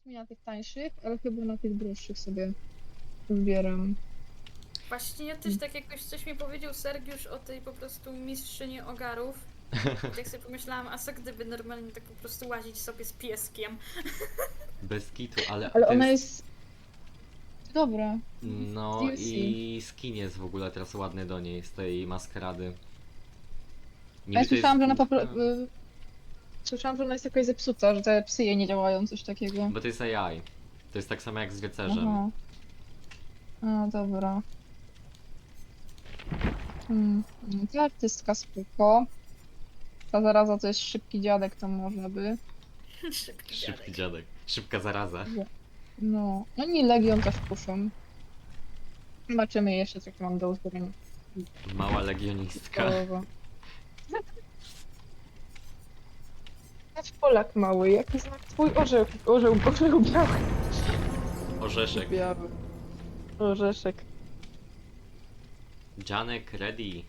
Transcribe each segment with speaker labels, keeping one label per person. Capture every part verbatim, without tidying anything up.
Speaker 1: mi na tych tańszych, ale chyba na tych droższych sobie zbieram.
Speaker 2: Właśnie ja też tak jakoś coś mi powiedział Sergiusz o tej po prostu mistrzyni ogarów. I tak sobie pomyślałam, a co gdyby normalnie tak po prostu łazić sobie z pieskiem?
Speaker 3: Bez kitu, ale
Speaker 1: Ale
Speaker 3: to
Speaker 1: ona
Speaker 3: jest...
Speaker 1: jest dobra. Z
Speaker 3: No
Speaker 1: D L C.
Speaker 3: i skin jest w ogóle teraz ładny do niej, z tej maskarady.
Speaker 1: A ja
Speaker 3: Niby to jest
Speaker 1: słyszałam, że ona po
Speaker 3: główka,
Speaker 1: pro- y, słyszałam, że ona jest jakaś zepsuta, że te psy jej nie działają, coś takiego.
Speaker 3: bo to jest A I. To jest tak samo jak z rycerzem.
Speaker 1: Aha. A, dobra. Hmm. no, Ta artystka spoko. Ta zaraza to jest szybki dziadek, tam można by.
Speaker 2: Szybki
Speaker 3: Szybki
Speaker 2: dziadek.
Speaker 3: dziadek. Szybka zaraza.
Speaker 1: No. No i Legion też puszą. Zobaczymy jeszcze, co mam do uzbrojenia.
Speaker 3: Mała legionistka.
Speaker 1: Połowa. Nasz Polak mały, jaki znak twój orzeł, orzeł, orzeł biały.
Speaker 3: Orzeszek.
Speaker 1: Biały. Orzeszek.
Speaker 3: Janek ready.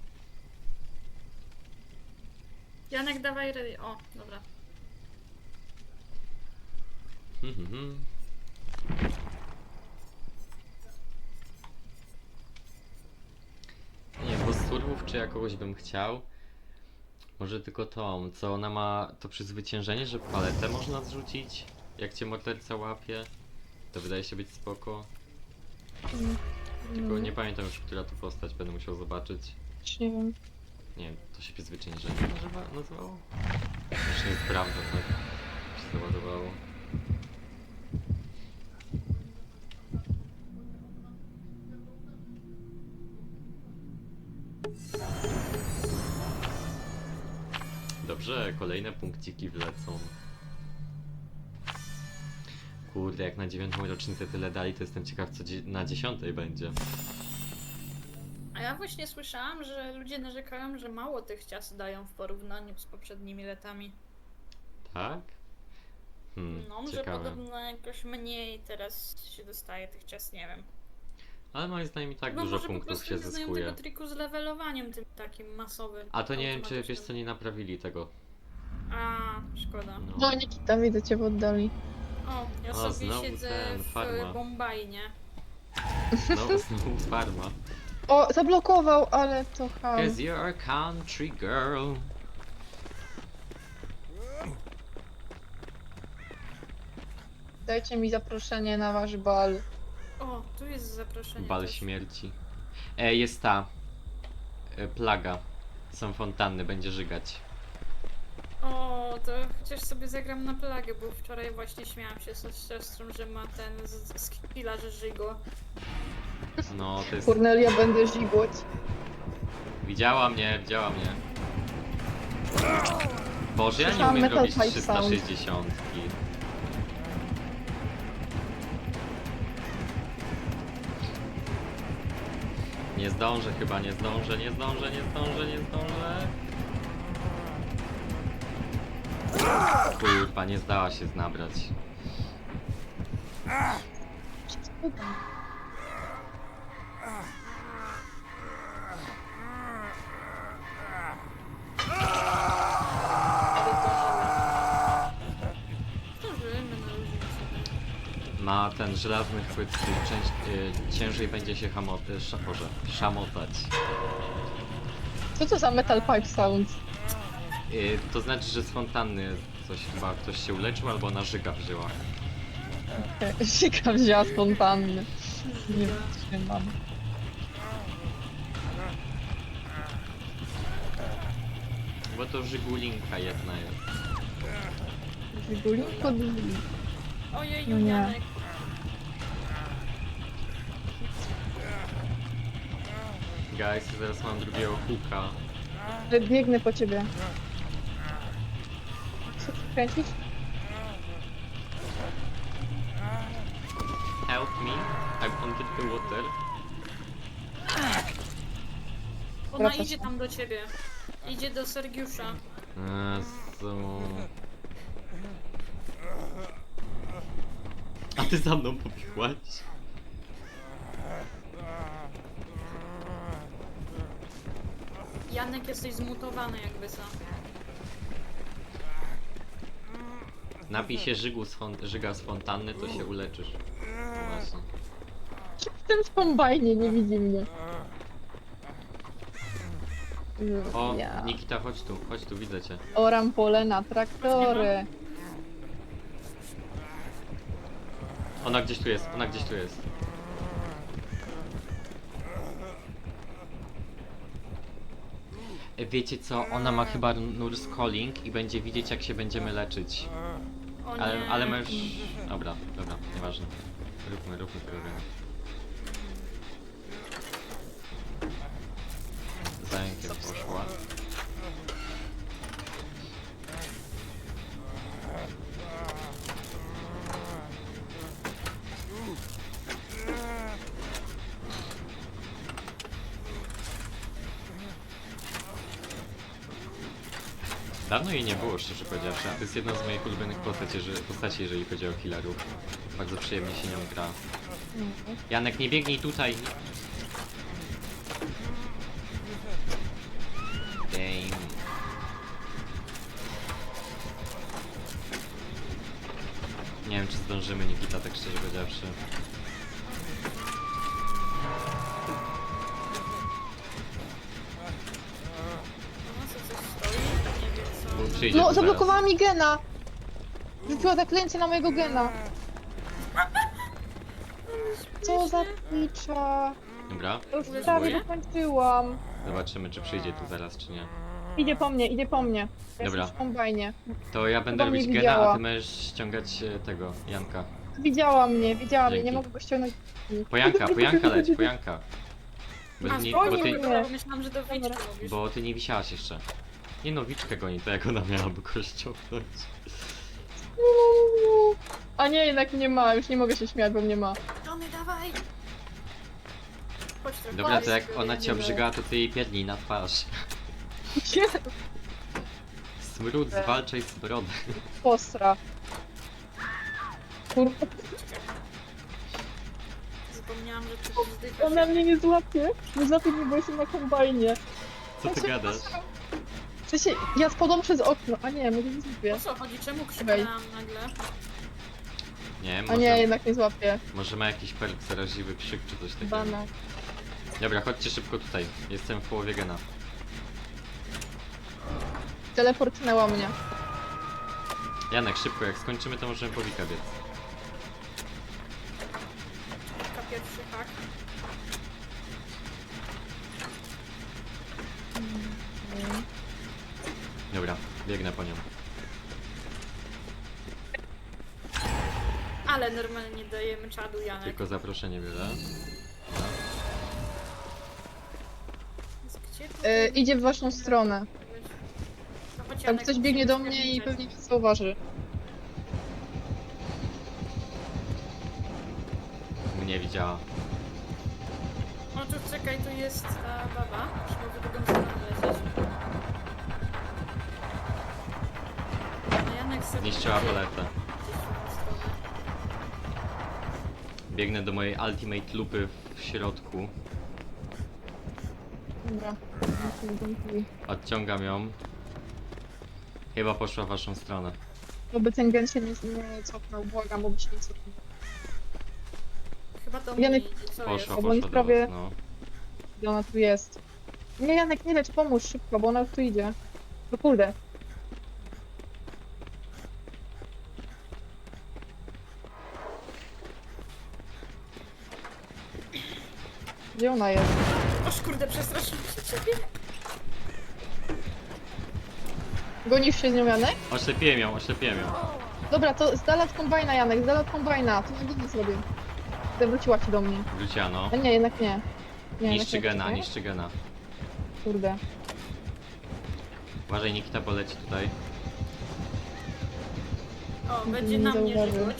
Speaker 2: Janek, dawaj ready. O, dobra.
Speaker 3: Hmm, hmm, hmm. Nie, bo z surwów czy ja kogoś bym chciał? Może tylko tą, co ona ma to przezwyciężenie, że paletę można zrzucić, jak cię morderca łapie. To wydaje się być spoko. Tylko nie pamiętam już, która to postać, będę musiał zobaczyć.
Speaker 1: Już nie wiem.
Speaker 3: Nie wiem, to się przezwyciężenie nazywa, nazywało? Już nie sprawdzam, tak się załadowało. Dobrze, kolejne punkciki wlecą. Kurde, jak na dziewiątą rocznicę tyle dali, to jestem ciekaw, co dzie na dziesiątej będzie.
Speaker 2: A ja właśnie słyszałam, że ludzie narzekają, że mało tych ciast dają w porównaniu z poprzednimi latami.
Speaker 3: Tak? Hmm,
Speaker 2: No, że
Speaker 3: ciekawe.
Speaker 2: podobno jakoś mniej teraz się dostaje tych ciast, nie wiem.
Speaker 3: Ale moim zdaniem i tak
Speaker 2: No
Speaker 3: dużo
Speaker 2: może po
Speaker 3: punktów
Speaker 2: prostu
Speaker 3: się
Speaker 2: nie znają
Speaker 3: zyskuje.
Speaker 2: tego triku z levelowaniem tym takim masowym.
Speaker 3: A to nie wiem, czy wiesz
Speaker 2: automatycznym.
Speaker 3: co, nie naprawili tego.
Speaker 2: A, szkoda.
Speaker 3: No,
Speaker 1: No Nikita, widzę cię w oddali.
Speaker 2: O, ja
Speaker 3: O,
Speaker 2: sobie
Speaker 3: znowu
Speaker 2: siedzę
Speaker 3: ten,
Speaker 2: w
Speaker 3: farma.
Speaker 2: Bombajnie.
Speaker 3: no znowu farma.
Speaker 1: O, zablokował, ale to ham.
Speaker 3: Cause you're a country girl.
Speaker 1: Dajcie mi zaproszenie na wasz bal.
Speaker 2: O, tu jest zaproszenie.
Speaker 3: Bal
Speaker 2: też.
Speaker 3: śmierci. E, jest ta. E, plaga. Są fontanny, będzie żygać.
Speaker 2: O, to chociaż sobie zagram na plagę, bo wczoraj właśnie śmiałam się z siostrą, że ma ten z- z skilla, że żygo.
Speaker 3: No, to jest...
Speaker 1: Kornelia, będę żigłoć.
Speaker 3: Widziała mnie, widziała mnie. Boże, ja nie
Speaker 1: Słyszałam
Speaker 3: umiem
Speaker 1: Metal
Speaker 3: robić
Speaker 1: Pipe
Speaker 3: trzysta
Speaker 1: Sound.
Speaker 3: sześćdziesiąt. Nie zdążę chyba, nie zdążę, nie zdążę, nie zdążę, nie zdążę. Kurwa, nie zdała się znabrać.
Speaker 2: Zdążymy na luzie sobie.
Speaker 3: Ma ten żelazny chwyt, który część, y, ciężej będzie się hamo, y, sz, Boże, szamotać.
Speaker 1: Co to za Metal Pipe Sound?
Speaker 3: Y, to znaczy, że z fontanny coś chyba ktoś się uleczył albo na żyga wzięła.
Speaker 1: Sika wzięła spontánny. Nie wytrzymam.
Speaker 3: Bo to żygulinka jedna jest.
Speaker 1: Wygulinko drzwi.
Speaker 2: Ojej,
Speaker 1: No nie.
Speaker 2: Janek.
Speaker 3: Guys, zaraz mam drugiego huka.
Speaker 1: Biegnę po ciebie. Co ty kręcisz?
Speaker 3: Help me, I'm under the water.
Speaker 2: Ona
Speaker 1: Wracasz.
Speaker 2: idzie tam do ciebie. Idzie do Sergiusza.
Speaker 3: Jezu. A ty za mną pobiegłaś?
Speaker 2: Janek, jesteś zmutowany jakby co.
Speaker 3: Napij się żygu z fon- żyga z fontanny, to się uleczysz. Właśnie.
Speaker 1: W tym kombajnie nie widzi mnie.
Speaker 3: O,
Speaker 1: Ja.
Speaker 3: Nikita, chodź tu, chodź tu, widzę cię.
Speaker 1: Oram pole na traktory.
Speaker 3: Ona gdzieś tu jest, ona gdzieś tu jest. E, Wiecie co, ona ma chyba nurse calling i będzie widzieć jak się będziemy leczyć.
Speaker 2: O nie.
Speaker 3: Ale, ale my już... Dobra, dobra, nieważne. Róbmy, róbmy tego gena. Za rękiem poszła. Dawno jej nie było, szczerze powiedziawszy, a to jest jedna z moich ulubionych postaci, że, postaci jeżeli chodzi o healerów. Bardzo przyjemnie się nią gra. Janek, nie biegnij tutaj! Damn. Nie wiem, czy zdążymy, Nikita, tak szczerze powiedziawszy.
Speaker 2: No co, coś stoi? Nie wiem co.
Speaker 3: Bo przyjdzie
Speaker 1: No,
Speaker 3: tu
Speaker 1: zablokowała mi gena! Rzuciła zaklęcie na mojego gena. Co za picza.
Speaker 3: zaraz. Dobra,
Speaker 1: Ja już
Speaker 2: Uleżyłeś?
Speaker 1: prawie dokończyłam.
Speaker 3: zobaczymy, czy przyjdzie tu zaraz, czy nie.
Speaker 1: Idzie po mnie, idzie po mnie. Ja
Speaker 3: Dobra.
Speaker 1: jestem w kombajnie.
Speaker 3: To ja będę
Speaker 1: Chyba mnie
Speaker 3: robić gena, a
Speaker 1: widziała.
Speaker 3: ty możesz ściągać e, tego, Janka.
Speaker 1: Widziała mnie, widziała mnie, nie
Speaker 3: Dzięki.
Speaker 1: mogę go ściągnąć.
Speaker 3: Pojanka, pojanka leć, pojanka. Bo,
Speaker 2: A,
Speaker 3: nie,
Speaker 1: spokojnie,
Speaker 3: bo, ty,
Speaker 1: nie.
Speaker 2: Dobra, myślałam, że do wiczki
Speaker 1: Dobra.
Speaker 2: mówisz.
Speaker 3: bo ty nie wisiałaś jeszcze. Nie no, wiczkę goni, to jak ona miałaby go ściągnąć.
Speaker 1: A nie, jednak nie ma, już nie mogę się śmiać, bo mnie ma.
Speaker 2: Tony, dawaj! Chodź trochę.
Speaker 3: Dobra, to jak
Speaker 2: Chodź,
Speaker 3: ona cię
Speaker 1: nie
Speaker 3: obrzygała, to ty jej pierdnij na twarz. Smród, zwalczaj z brody.
Speaker 1: Postra. Kurwa,
Speaker 2: Zapomniałam, że ty wzdychasz.
Speaker 1: ona mnie nie złapie. Nie złapie mnie, bo jestem na kombajnie.
Speaker 3: Co ty gadasz?
Speaker 1: W sensie, ja spadłam przez okno, a nie, może nie złapię.
Speaker 2: O co chodzi? Czemu krzyknęłam nagle?
Speaker 3: Nie,
Speaker 1: A
Speaker 3: może,
Speaker 1: nie, jednak nie złapię.
Speaker 3: może ma jakiś perk zaraźliwy krzyk czy coś takiego.
Speaker 1: Bana.
Speaker 3: Dobra, chodźcie szybko tutaj. Jestem w połowie gena.
Speaker 1: Teleportnęła mnie.
Speaker 3: Janek, szybko, jak skończymy, to możemy po Wika biec.
Speaker 2: Taka pierwszy hak.
Speaker 3: Dobra, biegnę po nią.
Speaker 2: Ale normalnie dajemy czadu, Janek.
Speaker 3: Tylko zaproszenie biorę.
Speaker 2: Gdzie tu?
Speaker 1: E, idzie w waszą stronę.
Speaker 2: No chodź,
Speaker 1: Tam
Speaker 2: Janek,
Speaker 1: ktoś biegnie do
Speaker 2: musimy
Speaker 1: mnie i
Speaker 2: zgadnąć.
Speaker 1: pewnie mnie zauważy.
Speaker 3: Mnie widziała.
Speaker 2: O, tu czekaj, tu jest ta baba. Musimy w drugą stronę lecieć. A Janek sobie
Speaker 3: Zniszczyła
Speaker 2: idzie
Speaker 3: paletę.
Speaker 2: gdzieś w drugą stronę.
Speaker 3: Biegnę do mojej ultimate lupy w środku.
Speaker 1: Dobra.
Speaker 3: Odciągam ją. Chyba poszła w waszą stronę.
Speaker 1: Oby ten gen się nie, nie cofnął, błagam, bo by się nie cofnął.
Speaker 2: Chyba to mnie
Speaker 1: Janek-
Speaker 2: idzie, co
Speaker 3: Poszła,
Speaker 2: jest?
Speaker 1: bo
Speaker 3: poszła
Speaker 1: oni
Speaker 3: do
Speaker 1: prawie-
Speaker 3: was, no.
Speaker 1: Gdzie ona tu jest? Nie, Janek, nie lecz, pomóż szybko, bo ona już tu idzie. No kurde. Gdzie ona jest?
Speaker 2: Oż kurde, przestraszyłam się ciebie.
Speaker 1: Gonisz się z nią, Janek?
Speaker 3: Oślepiłem ją, oślepiłem ją.
Speaker 1: Dobra, to z dala od kombajna, Janek, z dala od kombajna. To na górę zrobię. Zawróciła ci do mnie.
Speaker 3: Wróciła, no.
Speaker 1: A nie, jednak nie. nie
Speaker 3: Niszczy
Speaker 1: jednak nie,
Speaker 3: gena,
Speaker 1: nie?
Speaker 3: niszczy gena.
Speaker 1: Kurde.
Speaker 3: Uważaj, Nikita poleci tutaj.
Speaker 2: O,
Speaker 1: Nie
Speaker 2: będzie na mnie
Speaker 1: zauważył.
Speaker 2: żyć.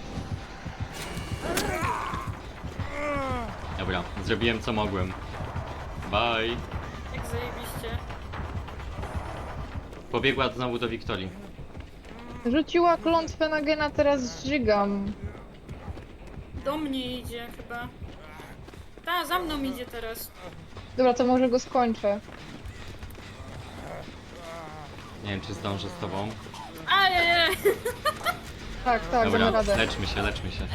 Speaker 3: Dobra, zrobiłem co mogłem. Bye.
Speaker 2: Jak zajebiście.
Speaker 3: Pobiegła znowu do Wiktorii.
Speaker 1: Rzuciła klątwę na gena, teraz żygam.
Speaker 2: Do mnie idzie chyba. Ta, za mną idzie teraz.
Speaker 1: Dobra, to może go skończę.
Speaker 3: Nie wiem, czy zdążę z tobą.
Speaker 2: Ajajaj!
Speaker 1: Tak, tak, damy
Speaker 3: Dobra,
Speaker 1: radę.
Speaker 3: leczmy się, leczmy się.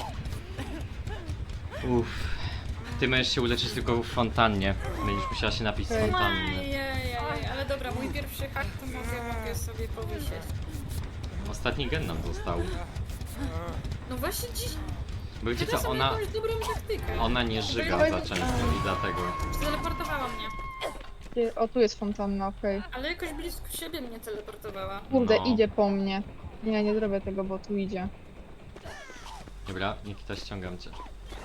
Speaker 3: Uff. Ty możesz się uleczyć tylko w fontannie. Będziesz musiała się napić z
Speaker 1: Okej.
Speaker 3: fontanny.
Speaker 2: Ajajaj, ale dobra, mój pierwszy hak to mogę, mogę sobie powysieć.
Speaker 3: Ostatni gen nam został.
Speaker 2: No właśnie dziś...
Speaker 3: Bo wiecie
Speaker 2: Teraz
Speaker 3: co,
Speaker 2: mam
Speaker 3: ona,
Speaker 2: jakąś dobrą taktykę.
Speaker 3: ona nie żyga za często i dlatego.
Speaker 2: Teleportowała mnie.
Speaker 1: Gdzie- O, tu jest fontanna, okej.
Speaker 2: Ale jakoś blisko siebie mnie teleportowała.
Speaker 1: Kurde,
Speaker 3: No.
Speaker 1: idzie po mnie. Nie, nie zrobię tego, bo tu idzie.
Speaker 3: Dobra, Nikita, ściągam cię.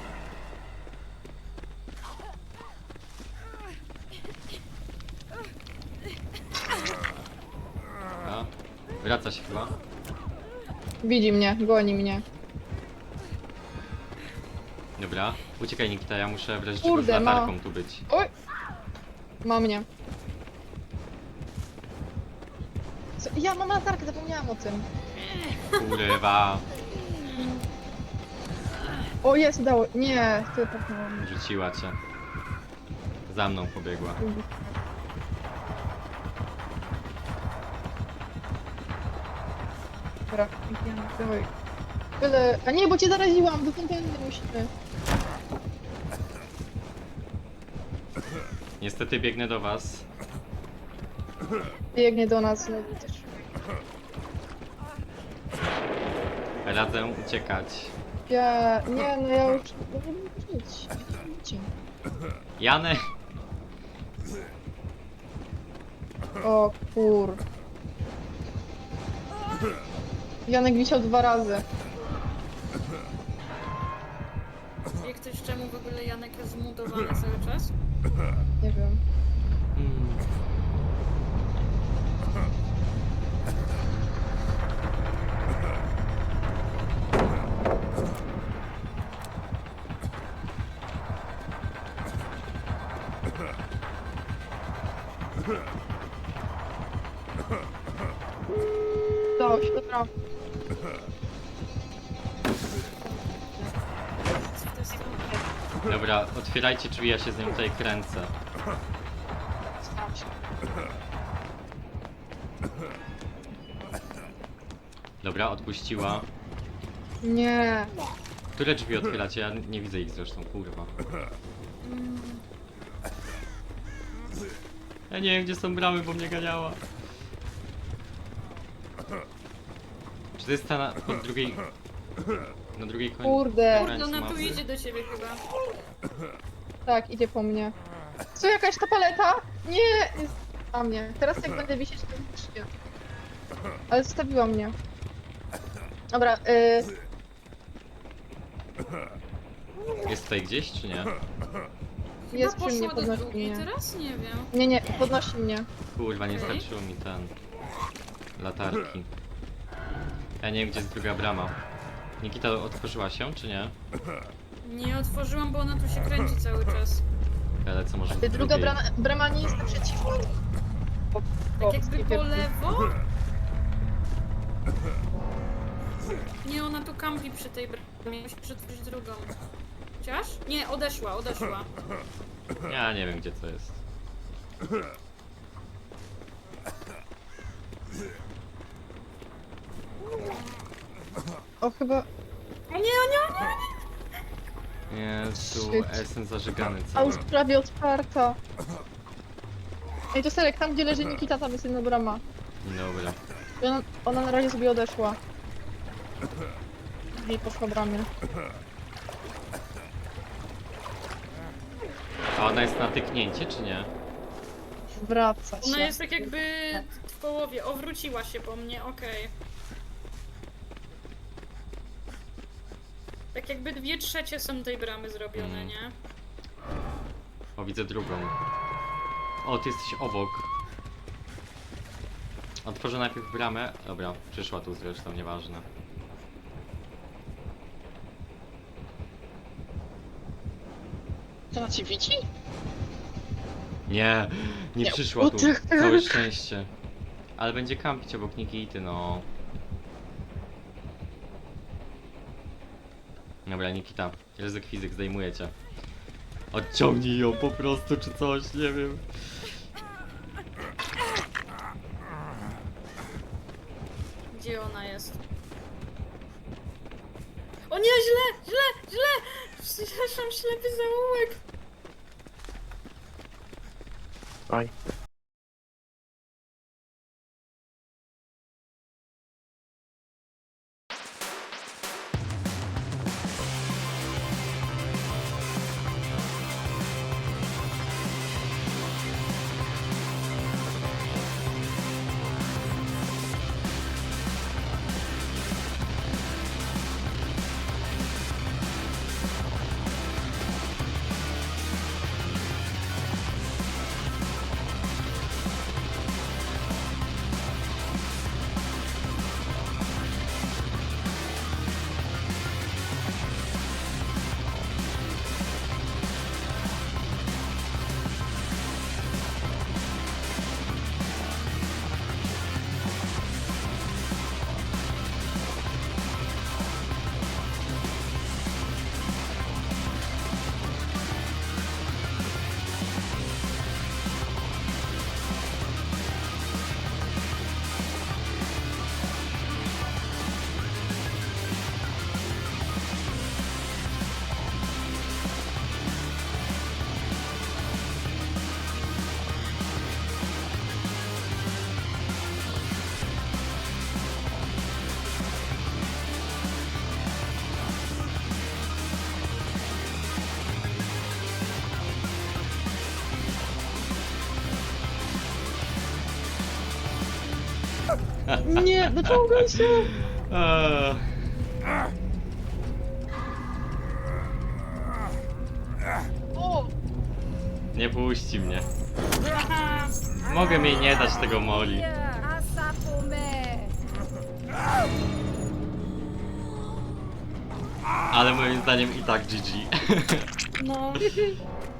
Speaker 3: Dobra. Wraca się chyba.
Speaker 1: Widzi mnie, goni mnie.
Speaker 3: Dobra, uciekaj Nikita, ja muszę w razie czego z
Speaker 1: Kurde, ma-
Speaker 3: latarką tu być.
Speaker 1: Oj! Ma mnie. Co? Ja mam latarkę, zapomniałam o tym.
Speaker 3: Kurwa,
Speaker 1: O, jest, udało. Nie, ty popchnąłem.
Speaker 3: rzuciła cię. Za mną pobiegła.
Speaker 1: Dobra, idziemy, dawaj. Byle... A nie, bo cię zaraziłam, do fontanny musimy.
Speaker 3: Niestety biegnę do was.
Speaker 1: Biegnie do nas znowu też.
Speaker 3: Radzę uciekać.
Speaker 1: Ja... Nie, no ja już nie wiem żyć. Idźcie.
Speaker 3: Janek!
Speaker 1: O kur... Janek wisiał dwa razy.
Speaker 2: Wie ktoś czemu w ogóle Janek jest zmutowany cały czas?
Speaker 1: Nie wiem.
Speaker 3: Hmm.
Speaker 1: Udało się, dobra.
Speaker 2: Co to jest?
Speaker 3: Dobra, otwierajcie drzwi, ja się z nią tutaj kręcę.
Speaker 1: Staram się.
Speaker 3: Dobra, odpuściła.
Speaker 1: Nie.
Speaker 3: Które drzwi otwieracie? Ja nie widzę ich zresztą, kurwa.
Speaker 2: Mm,
Speaker 3: Ja nie wiem, gdzie są bramy, bo mnie ganiała. Czy to jest ta na, po drugiej... Na drugiej końcu?
Speaker 1: Kurde.
Speaker 2: Kurde, ona tu
Speaker 3: mapy?
Speaker 2: idzie do ciebie chyba.
Speaker 1: Tak, idzie po mnie. Co, jakaś ta paleta? Nie! Jest a mnie. Teraz jak będę wisieć, to już nie. Ale zostawiła mnie. Dobra, y...
Speaker 3: Jest tutaj gdzieś, czy nie?
Speaker 1: jest
Speaker 2: Chyba
Speaker 1: przy mnie,
Speaker 2: poszła do
Speaker 1: podnosi
Speaker 2: drugiej,
Speaker 1: mnie.
Speaker 2: teraz nie wiem.
Speaker 1: Nie, nie, podnosi mnie.
Speaker 3: Kurwa, nie
Speaker 2: Okej.
Speaker 3: starczyło mi ten... Latarki. Ja nie wiem, gdzie jest druga brama. Nikita otworzyła się, czy nie?
Speaker 2: Nie otworzyłam, bo ona tu się kręci cały czas.
Speaker 3: Ale co może
Speaker 1: Y,
Speaker 3: w
Speaker 1: Druga
Speaker 3: drugiej?
Speaker 1: brama, brama nie jest naprzeciwko. Po,
Speaker 2: Tak jakby po
Speaker 1: sklepie.
Speaker 2: lewo? Nie, ona tu kampi przy tej bramie. Musi przetworzyć drugą. Chociaż? Nie, odeszła, odeszła.
Speaker 3: Ja nie wiem, gdzie to jest.
Speaker 1: O, chyba...
Speaker 2: O nie, o nie, o nie!
Speaker 3: Jezu,
Speaker 1: Shit.
Speaker 3: jestem zażygany
Speaker 1: A
Speaker 3: cały.
Speaker 1: już prawie otwarta. Ej, to Serek, tam gdzie leży Nikita, tam jest jedna brama.
Speaker 3: Dobra.
Speaker 1: I ona, ona na razie sobie odeszła. I poszła bramie.
Speaker 3: A ona jest na tyknięcie, czy nie?
Speaker 1: Wraca się.
Speaker 2: Ona jest tak jakby w połowie. O, wróciła się po mnie, okej. Tak jakby dwie trzecie są tej bramy zrobione,
Speaker 3: Mm.
Speaker 2: nie?
Speaker 3: O, widzę drugą. O, ty jesteś obok. Otworzę najpierw bramę. Dobra, przyszła tu zresztą, nieważne.
Speaker 1: To ona cię widzi?
Speaker 3: Nie, nie
Speaker 1: Nie,
Speaker 3: przyszła tu.
Speaker 1: what the
Speaker 3: Całe
Speaker 1: heck?
Speaker 3: szczęście. Ale będzie kampić obok Nikity, no. Dobra, Nikita. Ryzyk fizyk, zdejmuję cię. Odciągnij ją po prostu, czy coś, nie wiem.
Speaker 2: Gdzie ona jest. O nie, źle, źle, źle! Przepraszam, ślepy zaułek.
Speaker 4: Oj.
Speaker 1: Nie, dociągaj się!
Speaker 3: Eee,
Speaker 1: O!
Speaker 3: nie puści mnie. Mogę mi nie dać tego moli. Ale moim zdaniem i tak G G.
Speaker 2: No.